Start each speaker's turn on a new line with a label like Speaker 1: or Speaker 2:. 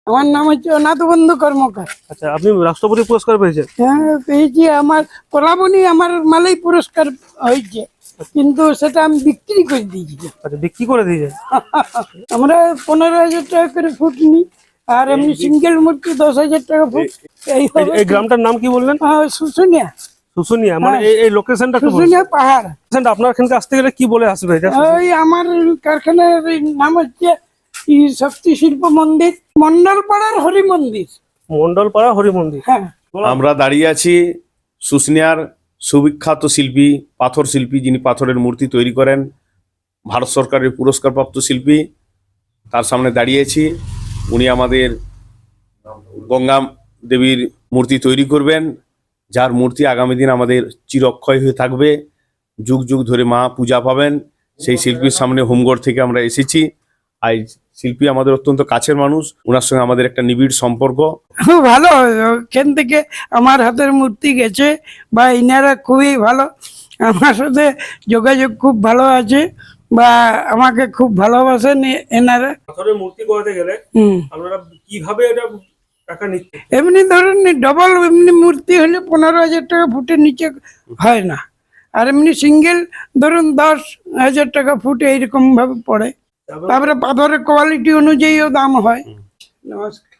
Speaker 1: আমার নাম হচ্ছে অনাথবন্ধু কর্মকার।
Speaker 2: আচ্ছা, আপনি রাষ্ট্রপতি পুরস্কার পেয়েছেন?
Speaker 1: হ্যাঁ, পেয়েছি। আমার কলাবনি আমার মালাই পুরস্কার হয়েছে, কিন্তু সেটা আমি বিক্রি করে দিয়েছি।
Speaker 2: আচ্ছা, বিক্রি করে দিয়েছেন?
Speaker 1: আমরা 15,000 টাকা করে ফুট নিই, আর এমনি সিঙ্গেল মূর্তি 10,000 টাকা ফুট।
Speaker 2: এই গ্রামটার নাম কি বললেন?
Speaker 1: শুশুনিয়া।
Speaker 2: শুশুনিয়া, মানে এই লোকেশনটা একটু বলুন।
Speaker 1: শুশুনিয়া পাহাড়।
Speaker 2: আপনার এখানকে আসতে গেলে কি বলে আসবে এটা?
Speaker 1: ওই আমার কারখানার নাম হচ্ছে শক্তি শিল্প মন্দির, মন্ডলপাড়ার হরি মন্দির।
Speaker 2: মন্ডলপাড়া হরি মন্দির।
Speaker 1: হ্যাঁ,
Speaker 3: আমরা দাঁড়িয়ে আছি শুশুনিয়ার সুবিখ্যাত শিল্পী, পাথর শিল্পী, যিনি পাথরের মূর্তি তৈরি করেন, ভারত সরকারের পুরস্কারপ্রাপ্ত শিল্পী। তার সামনে দাঁড়িয়েছি। উনি আমাদের গঙ্গা দেবীর মূর্তি তৈরি করবেন, যার মূর্তি আগামী দিন আমাদের চিরক্ষয় হয়ে থাকবে। যুগ যুগ ধরে মা পূজা পাবেন। সেই শিল্পীর সামনে হোমগড় থেকে আমরা এসেছি। আর শিল্পী আমাদের অত্যন্ত কাছের মানুষ, ওনার সঙ্গে আমাদের একটা নিবিড় সম্পর্ক।
Speaker 1: খুব ভালো। ওখান থেকে আমার হাতের মূর্তি গেছে, বা ইনারা খুবই ভালো, আমার সাথে যোগাযোগ খুব ভালো আছে, বা আমাকে খুব ভালোবাসেন এনারা।
Speaker 2: পাথরের মূর্তি করাতে গেলে
Speaker 1: হুম,
Speaker 2: আপনারা কিভাবে এটা টাকা নিচ্ছেন?
Speaker 1: এমনি ধরুন ডবল এমনি মূর্তি হলে 15,000 টাকা ফুটের নিচে হয় না, আর এমনি সিঙ্গেল ধরুন 10,000 টাকা ফুট এইরকম ভাবে পড়ে। তারপরে পাথরের কোয়ালিটি অনুযায়ীও দাম হয়। নমস্কার।